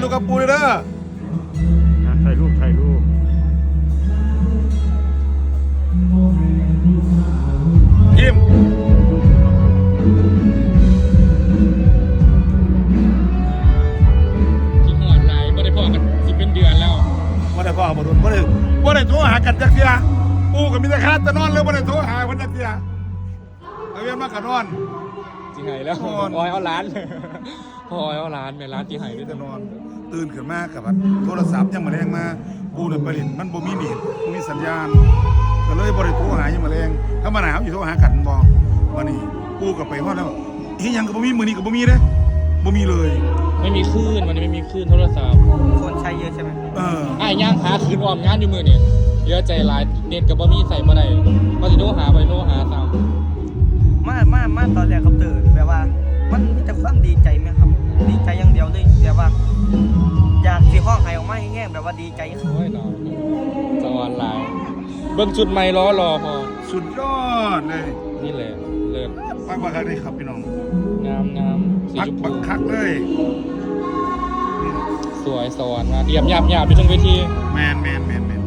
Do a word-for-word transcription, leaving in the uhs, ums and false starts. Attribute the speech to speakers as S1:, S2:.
S1: รูปกับปูเลยเด้อ
S2: ถ่ายรูปถ่ายรูป
S1: ยิ้ม
S3: ที่หอดลายไม่ได้พอกันสิเป็นเดือนแล้ว
S1: บ่ได้พ่อบ่โดนบ่ได้บ่ได้โทรหากันจักเที่ยปูกับมิตรคาตะนอนเลยบ่ได้โทรหาคนจักเที่ยเอาเวียนมากันนอน
S3: ที่ไหนแล้วพอยเอาร้านพอยเอาร้านในร้านที่ไหนด้วย
S1: จะนอนตื่นขึ้นมากับโทรศัพท์ยังมาแรงมาปูเนี่ยไปเล่นมันบ่มีเน็ตบ่มีสัญญาณก็เลยบ่ได้โทรหายังมาแรงถ้ามาหนาวอยู่โทรหากันบ่วันนี้ปูกับไปฮอดแล้วเฮ้ยยังก็บ่มีมื้อนี้ก็บ่มีเด้บ่มีเลย
S3: ไม่มีคลื่นมันไม่มีคลื่นโทรศัพท์
S4: คนใช้เยอะใช่ไหม
S1: เออ
S3: ไอ้ย่างหาคืนออมงานอยู่มือเนี่ยเยอะใจร้ายเน็ตกับบะมี่ใส่มาได้มาสิโทรหาไปโทรหาตาม
S4: มามามาตอนแรกครับตื่นแบบว่ามันมีแต่ความดีใจไหมครับดีใจอย่างเดียวเลยแบบว่าอยากที่ห้องไห้ออกมาแง่ๆแบบว่าดีใจ
S3: โอ้ยน้องสวรรค์ลายเบิ้งชุดใหม่ล้อรอพอ
S1: สุดยอดเลย
S3: นี่แหละเลิศ
S1: ปักบักคักเลยครับพี่น้อง
S3: งามงามสีชมพู
S1: ปักคักเลย
S3: สวยสวรรค์มาเยี่ยมยามยามอยู่ตรงเวที
S1: แมนแมนแมนแมน